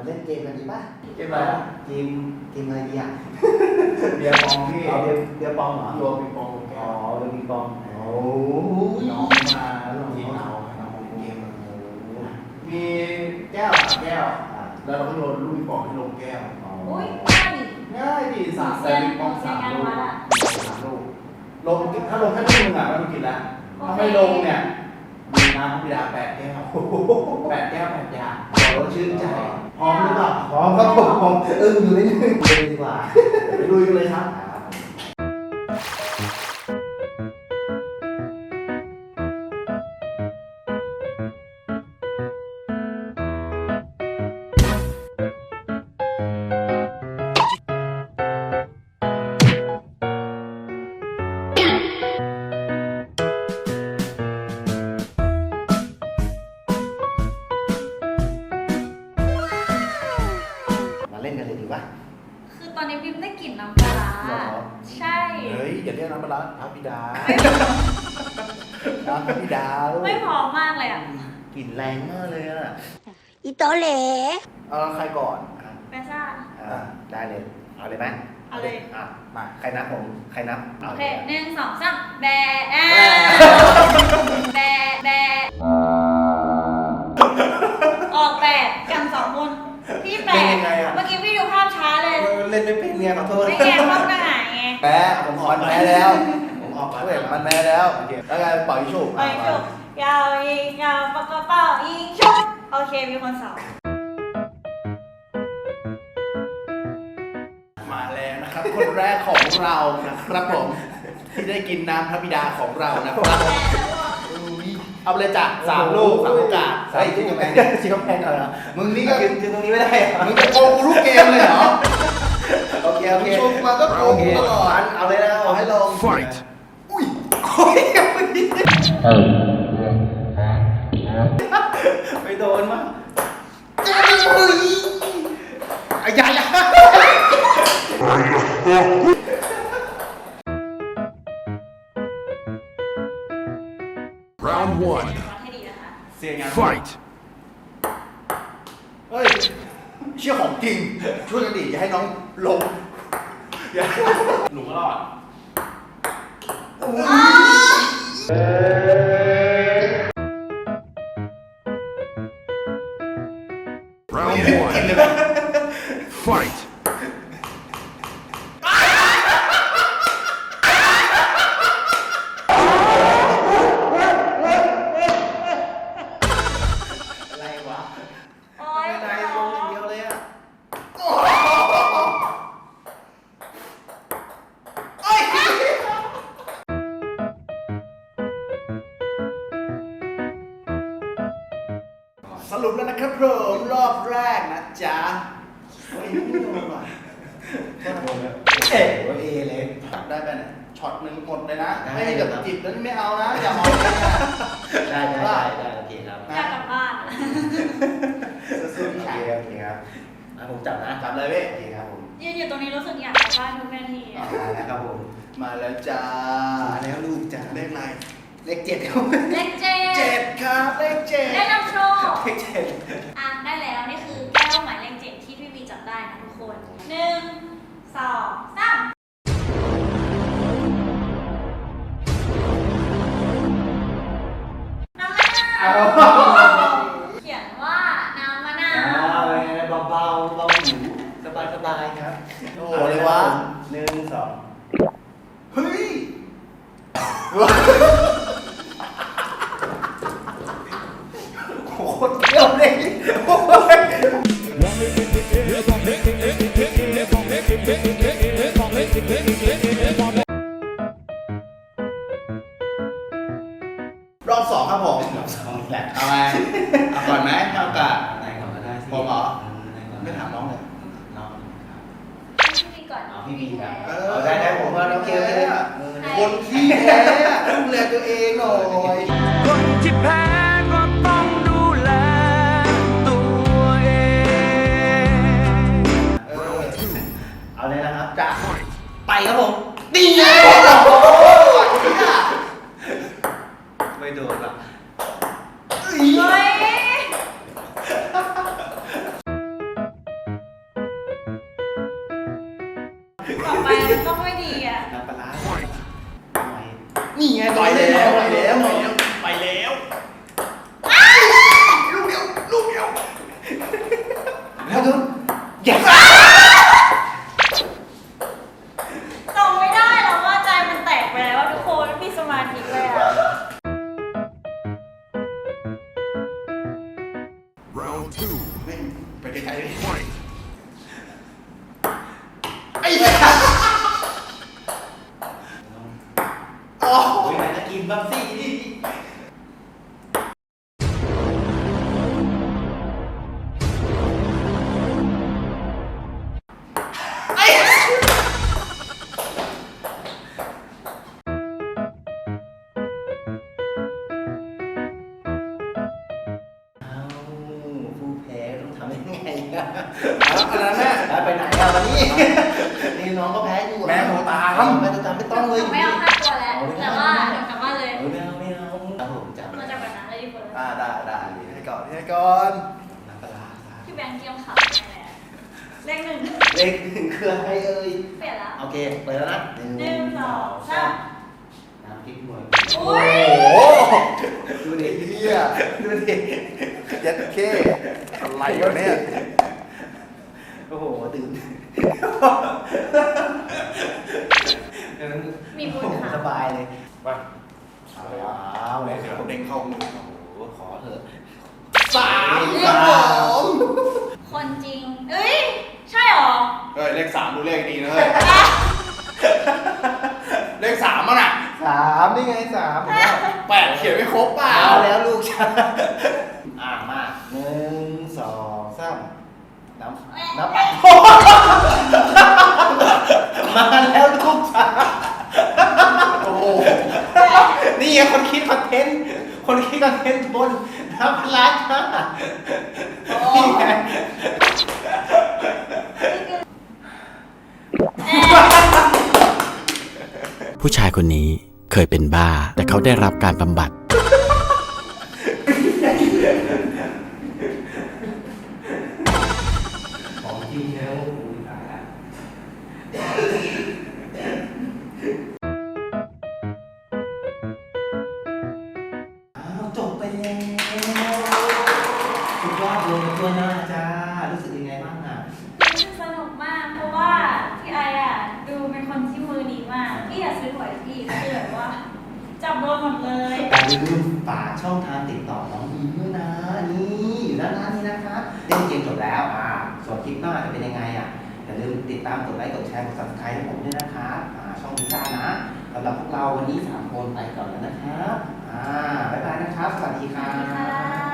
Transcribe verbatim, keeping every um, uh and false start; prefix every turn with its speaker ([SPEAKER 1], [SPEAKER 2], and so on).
[SPEAKER 1] เล่นเกมกันดีป่ะ
[SPEAKER 2] เกมอะไรอ่ะ
[SPEAKER 1] เกมเกมอะไรดีอ่ะ
[SPEAKER 2] เบียร์ปองพี่
[SPEAKER 1] เอาเบียร์เบียร์ปองเหรอ
[SPEAKER 2] โยนปิงปอง
[SPEAKER 1] อ๋อเบียร์ปิงปองโอ้
[SPEAKER 2] น้องมาแล้วทีมเราเราเกมมีแก้วแก้วแล้วเราก็โยนลูกปิงปองให้ลงแก้ว
[SPEAKER 3] อุ้ยง่าย
[SPEAKER 2] ง่ายดีสามแต่ปิงปองสามลูกสามลูกลงถ้าลงแค่ลูกนึงอ่ะมันกินแล้วถ้าไม่ลงเนี่ยมีน้ำพิดาแปดแก้วแปดแก้วแปดอย่างเราชื่นใจพร้อมหรือเปล่า
[SPEAKER 1] พร้อมครับผมพร้อมอึ้งอยู่นิดนึงเลยดีกว่า
[SPEAKER 2] ไปลุยกันเลยครับ
[SPEAKER 1] เล่นกันเลยดีป่ะ
[SPEAKER 3] คือตอนนี้พิมได้กลิ่นน้ำปลาใช่
[SPEAKER 2] เฮ้ยอย่าเรียกน้ำปลาพระบิดาน้ำพระบิดา
[SPEAKER 3] ไม่พร้อมมากเลยอ่ะ
[SPEAKER 1] กลิ่นแรงมากเลยอ่ะ
[SPEAKER 4] อีโตเหล่
[SPEAKER 2] เอาใครก่อน
[SPEAKER 3] เปซ่า
[SPEAKER 1] อ่าได้เลยเอาเลยไหม
[SPEAKER 3] เอาเลย
[SPEAKER 1] อ่ะมาใครนับผมใครนับ
[SPEAKER 3] โอเคหนึ่งสองสามแบะแบะแบะออกแปดกันสองคนพี่แปดเมื่อกี้พี่ดูภาพช้าเลย
[SPEAKER 1] เล่นไม่เป็นไงขอโทษ
[SPEAKER 3] ไม่แย่ต้องหน้าไง
[SPEAKER 2] แพ้ผมออกแพ้แล้วผมออกแพ้มันแพ้แล้วแล้วไงปล่อยชุบ
[SPEAKER 3] ปล่อยชุบยาวยิงยาวปากกระเป๋ายิงชุบโอเคมีคนสอง
[SPEAKER 2] มาแล้วนะครับคนแรกของเรานะครับผมที่ได้กินน้ำพระบิดาของเรานะครับเอาไปเลยจ้ะสามลูกสามโอกาส
[SPEAKER 1] ใส่ชิ้นกำแพงชิ้นกำแพงเหรอ
[SPEAKER 2] มึงนี่ก็
[SPEAKER 1] ยืนยืนตรงนี้ไม่ได้
[SPEAKER 2] มึงจะโกงกูทุกเกมเลยเหรอ
[SPEAKER 1] โอเคโอเค
[SPEAKER 2] ชมมาก็โกงตลอด
[SPEAKER 1] เอาเลยนะเอาให้ลง
[SPEAKER 2] fight อุ้ยโอ้ยไม่โดนมั้งอุ้ยอายายา
[SPEAKER 3] round one
[SPEAKER 2] fight เฮ้ยเชี่ยของจริงช่วยกันดิอย่าให้น้องลงหนูก็รอดround one fightสรุปแล้วนะครับผมรอบแรกนะจ๊ะไม่โดนว่ะ
[SPEAKER 1] เอ๋เอเลย
[SPEAKER 2] ได้ไปเนี่ยช็อตหนึ่งหมดเลยนะไม่ให้แบบจิบแล้วไม่เอานะอย่ามอง
[SPEAKER 1] ได้ได้ได้โอเคครับ
[SPEAKER 3] อยากกลับบ้าน
[SPEAKER 1] สู้ๆโอเคโอเคครับผมจับนะ
[SPEAKER 2] จับเลยพี่
[SPEAKER 3] โอเคครับผมยืนอยู่ตรงนี้รู้สึกอยากกลับบ้านทุกนาที
[SPEAKER 1] มาแล้วครับผม
[SPEAKER 2] มาแล้วจ้า
[SPEAKER 1] มาแล้วลูกจ้า
[SPEAKER 2] เลขอะไร
[SPEAKER 1] เลขเจ็ดครับ
[SPEAKER 3] เลขเจ็ด
[SPEAKER 2] เจ็ดครับเลขเจ็ด
[SPEAKER 3] ได้นำโชค
[SPEAKER 1] เลขเจ็ด
[SPEAKER 3] อ่ะได้แล้วนี่คือแก้วหมายเลขเจ็ดที่พี่บีจับได้นะทุกคนหนึ่งสองสามน้ำมะนาวเขียนว่าน้ำมะนาว
[SPEAKER 1] เบาเบาเบาหูสบายสบายครับ
[SPEAKER 2] โอ้เลยวะ
[SPEAKER 1] หนึ่งสอง
[SPEAKER 2] เฮ้ยโคตรเที่ยวเลยรอบสองครับผม
[SPEAKER 1] รอบสองแหละ
[SPEAKER 2] เอาไงเอาก่อนไหมเอาโอกาส
[SPEAKER 1] ไหนก่อนก็ได้
[SPEAKER 2] ผมเหรอไม่ถามน้องเลย
[SPEAKER 1] น้อง
[SPEAKER 3] พี่บีก่อน
[SPEAKER 1] เอาพี่บีครับ
[SPEAKER 2] เอ
[SPEAKER 1] อได้ได้ผมว่าน้องเกียวเลย
[SPEAKER 2] คนที่แพ้ดูแลตัวเองหน่อย
[SPEAKER 5] คนที่แพ้ก็ต้องดูแลตัวเอง
[SPEAKER 1] เอาเลยนะครับ
[SPEAKER 2] จ้ะ
[SPEAKER 1] ไปครับผม
[SPEAKER 2] ดีเลย
[SPEAKER 1] ไม่โดนหรอก
[SPEAKER 3] เฮ้ย
[SPEAKER 5] Round two.
[SPEAKER 2] แม่งไปไกลๆเลย
[SPEAKER 5] Fight.
[SPEAKER 2] ไอ้เหี้ยโอ้
[SPEAKER 1] โอ้ยไหนจะกินบ้างสินี่ เอาผู้แพ้ต้องทำยังไงอะ
[SPEAKER 2] อันนั้นแม่
[SPEAKER 1] แล้วไปไหนอะวันนี้ นี่น้องก็แพ้อยู่
[SPEAKER 2] แม่โทรตาม
[SPEAKER 1] แม่โทรตามไม่ต้องเลย
[SPEAKER 3] หนูไม่เอาห้าตัวแล้ว แต่ว่าเดี๋ยวกลับบ้านเลย
[SPEAKER 1] เออไม่เอาไม่เอาเอาผมจับ
[SPEAKER 3] เราจะแบบนั้นเลยดีกว่า
[SPEAKER 2] อ่าได้ได้ให้ก่อนให้ก่อน
[SPEAKER 1] น้ำปลาร้าครับ
[SPEAKER 3] พี่แบงค์เกียมขับแน่ๆเลขหนึ่ง
[SPEAKER 1] เลขหนึ่งคืออะไรเอ่ย
[SPEAKER 3] เปลี่ยนละ
[SPEAKER 1] โอเคเปิดแล้วนะ
[SPEAKER 3] หนึ่งสองสาม
[SPEAKER 1] น้ำพริกหน่วย
[SPEAKER 3] อุ้ย
[SPEAKER 2] โอ้โห
[SPEAKER 1] ดูดิ
[SPEAKER 2] เฮีย
[SPEAKER 1] ดูดิ
[SPEAKER 2] ยัดเข้อะไรวะเนี่ย
[SPEAKER 1] โอ้โหตื่น
[SPEAKER 3] มีบุญค่ะ
[SPEAKER 1] สบายเลย
[SPEAKER 2] ไปเอาแล้วเลยครับเด้งเข้ามือ
[SPEAKER 1] โอ้โหขอเถอะ
[SPEAKER 2] สาม
[SPEAKER 3] เล
[SPEAKER 2] ค
[SPEAKER 3] ข
[SPEAKER 2] รับ
[SPEAKER 3] ส
[SPEAKER 2] ผ
[SPEAKER 3] อง
[SPEAKER 2] ม
[SPEAKER 3] คนจริง เอ้ย ใช่หรอ
[SPEAKER 2] เฮ้ยเลขสามดูเลขดีนะเฮ้ยเลขสามมันอ่ะ
[SPEAKER 1] สามนี่ไงสาม
[SPEAKER 2] แปดเขียนไม่ครบเปล่า
[SPEAKER 1] เอาแล้วลูกฉันอ่ามาหนึ่งสองสามน้ำน้ำมาแล้วลูกฉัน
[SPEAKER 2] โอ้โห
[SPEAKER 1] นี่ไงคนคิดคอนเทนต์ คนคิดคอนเทนต์บนน้ำร้านค่ะนี่ไง
[SPEAKER 4] ผู้ชายคนนี้เคยเป็นบ้า แต่เขาได้รับการบำบัด
[SPEAKER 1] ของจริงแล้วอุ้ยตายละอ้าวจบไปแล้วสุดยอดเลยตัวหน้าจ้า รู้สึกยังไงบ้างอ่ะ
[SPEAKER 3] รู้สึกสนุกมาก เพราะว่าพี่ไออ่ะ ดูเป็นคนที่มือดีมาก พี่อยากซื้อหวยพี่คือแบบว่า จับโดนหมดเลย
[SPEAKER 1] อย่าลืมฝากช่องทางติดต่อน้องอีมด้วยนะ นี่อยู่ด้านล่างนี้นะคะเล่นเกมจบแล้วอ่าส่วนคลิปหน้าจะเป็นยังไงอ่ะอย่าลืมติดตามกดไลค์กดแชร์กด ซับสไครบ์ ให้ผมด้วยนะคะอ่าช่องพิซซ่านะสำหรับพวกเราวันนี้สามคนไปก่อนแล้วนะครับอ่าบ๊ายบายนะครับ สวัสดีครั
[SPEAKER 3] สวัสดีค่ะ
[SPEAKER 1] บ